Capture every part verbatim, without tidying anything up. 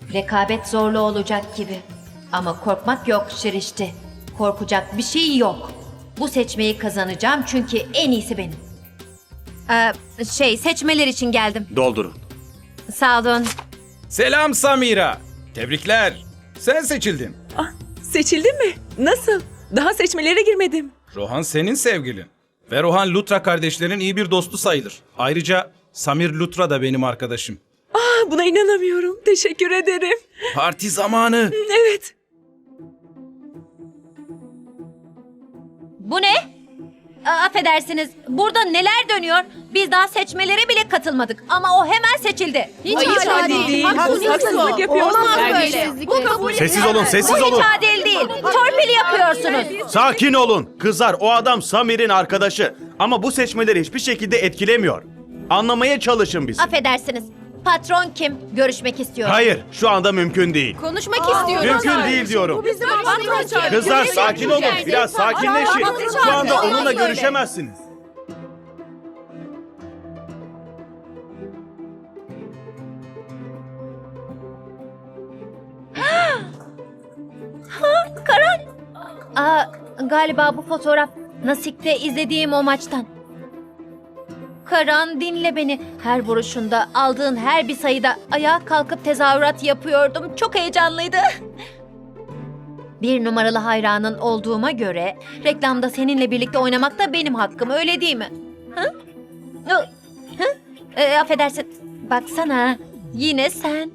Rekabet zorlu olacak gibi. Ama korkmak yok Şirişti. Korkacak bir şey yok. Bu seçmeyi kazanacağım çünkü en iyisi benim. Ee, şey seçmeler için geldim. Doldurun. Sağ olun. Selam Samira. Tebrikler. Sen seçildin. Ah, seçildin mi? Nasıl? Daha seçmelere girmedim. Rohan senin sevgilin. Ve Rohan Lutra kardeşlerin iyi bir dostu sayılır. Ayrıca Samir Lutra da benim arkadaşım. Ah, buna inanamıyorum. Teşekkür ederim. Parti zamanı. Evet. Bu ne? Aa, affedersiniz. Burada neler dönüyor? Biz daha seçmelere bile katılmadık. Ama o hemen seçildi. Hiç Hayır, adil adil değil. değil. Haksızlık. Haksızlık yapıyorsunuz. Olmaz böyle. Terbiyesizlik. Bu kabul Sessiz olun, sessiz Bu hiç olun. adil değil. Torpil yapıyorsunuz. Sakin olun. Kızlar, o adam Samir'in arkadaşı. Ama bu seçmeleri hiçbir şekilde etkilemiyor. Anlamaya çalışın bizi. Affedersiniz. Patron kim? Görüşmek istiyorum. Hayır, şu anda mümkün değil. Konuşmak istiyorum. Mümkün değil diyorum. Bu bizim patron. Kızlar sakin olun. Biraz sakinleşin. Şu anda onunla Olmaz böyle. görüşemezsiniz. Aa, galiba bu fotoğraf Nasik'te izlediğim o maçtan. Karan dinle beni. Her vuruşunda, aldığın her bir sayıda ayağa kalkıp tezahürat yapıyordum. Çok heyecanlıydı. Bir numaralı hayranın olduğuma göre reklamda seninle birlikte oynamak da benim hakkım, öyle değil mi? Hı? Hı? Hı? E, affedersin. Baksana. Yine sen.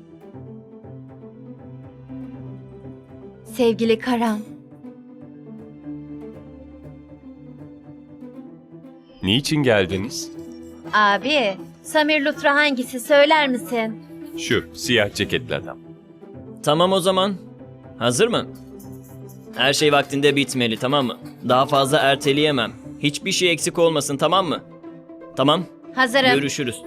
Sevgili Karan. Niçin geldiniz? Abi, Samir Lutra hangisi söyler misin? Şu siyah ceketli adam. Tamam o zaman. Hazır mı? Her şey vaktinde bitmeli, tamam mı? Daha fazla erteleyemem. Hiçbir şey eksik olmasın, tamam mı? Tamam. Hazırım. Görüşürüz.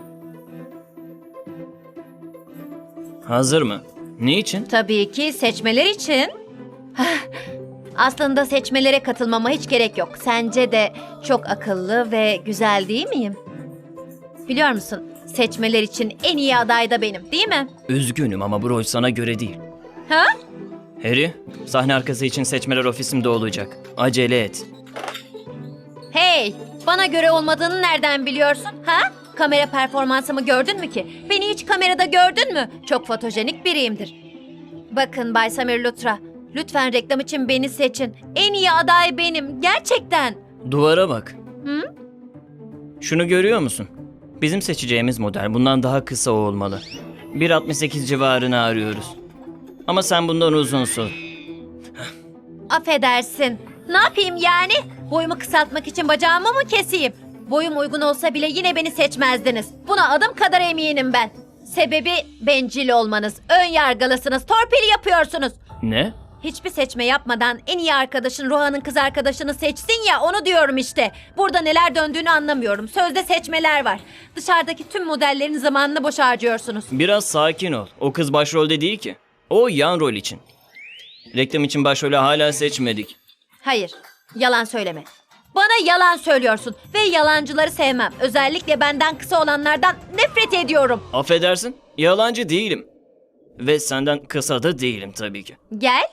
Hazır mı? Niçin? Tabii ki seçmeler için. Aslında seçmelere katılmama hiç gerek yok. Sence de çok akıllı ve güzel değil miyim? Biliyor musun? Seçmeler için en iyi aday da benim, değil mi? Üzgünüm ama bu rol sana göre değil. Ha? Harry, sahne arkası için seçmeler ofisimde olacak. Acele et. Hey, bana göre olmadığını nereden biliyorsun? Ha? Kamera performansımı gördün mü ki? Beni hiç kamerada gördün mü? Çok fotojenik biriyimdir. Bakın Bay Samir Lutra, lütfen reklam için beni seçin. En iyi aday benim, gerçekten. Duvara bak. Hı? Şunu görüyor musun? Bizim seçeceğimiz model bundan daha kısa olmalı. bir altmış sekiz civarını arıyoruz. Ama sen bundan uzunsun. Affedersin. Ne yapayım yani? Boyumu kısaltmak için bacağımı mı keseyim? Boyum uygun olsa bile yine beni seçmezdiniz. Buna adım kadar eminim ben. Sebebi bencil olmanız, ön yargılısınız, torpil yapıyorsunuz. Ne? Hiçbir seçme yapmadan en iyi arkadaşın Rohan'ın kız arkadaşını seçsin ya, onu diyorum işte. Burada neler döndüğünü anlamıyorum. Sözde seçmeler var. Dışarıdaki tüm modellerin zamanını boş harcıyorsunuz. Biraz sakin ol. O kız başrolde değil ki. O yan rol için. Reklam için başrolü hala seçmedik. Hayır, yalan söyleme. Bana yalan söylüyorsun ve yalancıları sevmem. Özellikle benden kısa olanlardan nefret ediyorum. Affedersin, yalancı değilim. Ve senden kısa da değilim tabii ki. Gel.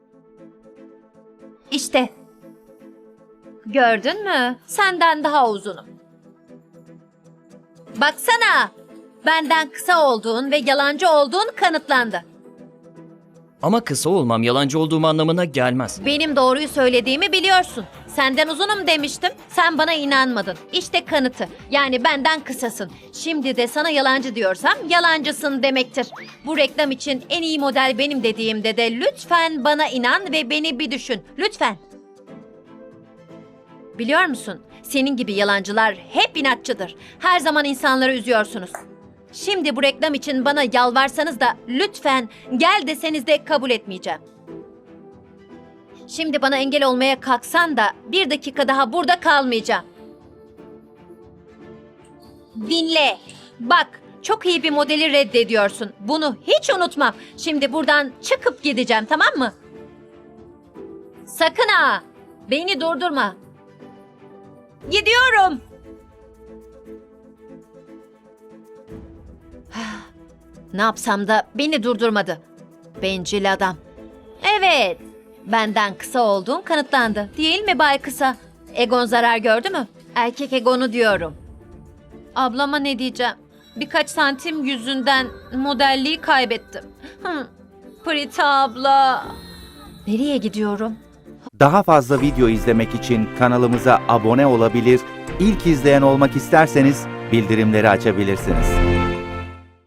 İşte. Gördün mü? Senden daha uzunum. Baksana. Benden kısa olduğun ve yalancı olduğun kanıtlandı. Ama kısa olmam yalancı olduğum anlamına gelmez. Benim doğruyu söylediğimi biliyorsun. Senden uzunum demiştim. Sen bana inanmadın. İşte kanıtı. Yani benden kısasın. Şimdi de sana yalancı diyorsam yalancısın demektir. Bu reklam için en iyi model benim dediğimde de lütfen bana inan ve beni bir düşün. Lütfen. Biliyor musun? Senin gibi yalancılar hep inatçıdır. Her zaman insanları üzüyorsunuz. Şimdi bu reklam için bana yalvarsanız da lütfen gel deseniz de kabul etmeyeceğim. Şimdi bana engel olmaya kalksan da bir dakika daha burada kalmayacağım. Dinle. Bak, çok iyi bir modeli reddediyorsun. Bunu hiç unutmam. Şimdi buradan çıkıp gideceğim, tamam mı? Sakın ha. Beni durdurma. Gidiyorum. Ne yapsam da beni durdurmadı. Bencil adam. Evet, benden kısa olduğun kanıtlandı. Değil mi Bay Kısa? Egon zarar gördü mü? Erkek egonu diyorum. Ablama ne diyeceğim? Birkaç santim yüzünden modelliği kaybettim. Hı. Prita abla. Nereye gidiyorum? Daha fazla video izlemek için kanalımıza abone olabilir, ilk izleyen olmak isterseniz bildirimleri açabilirsiniz.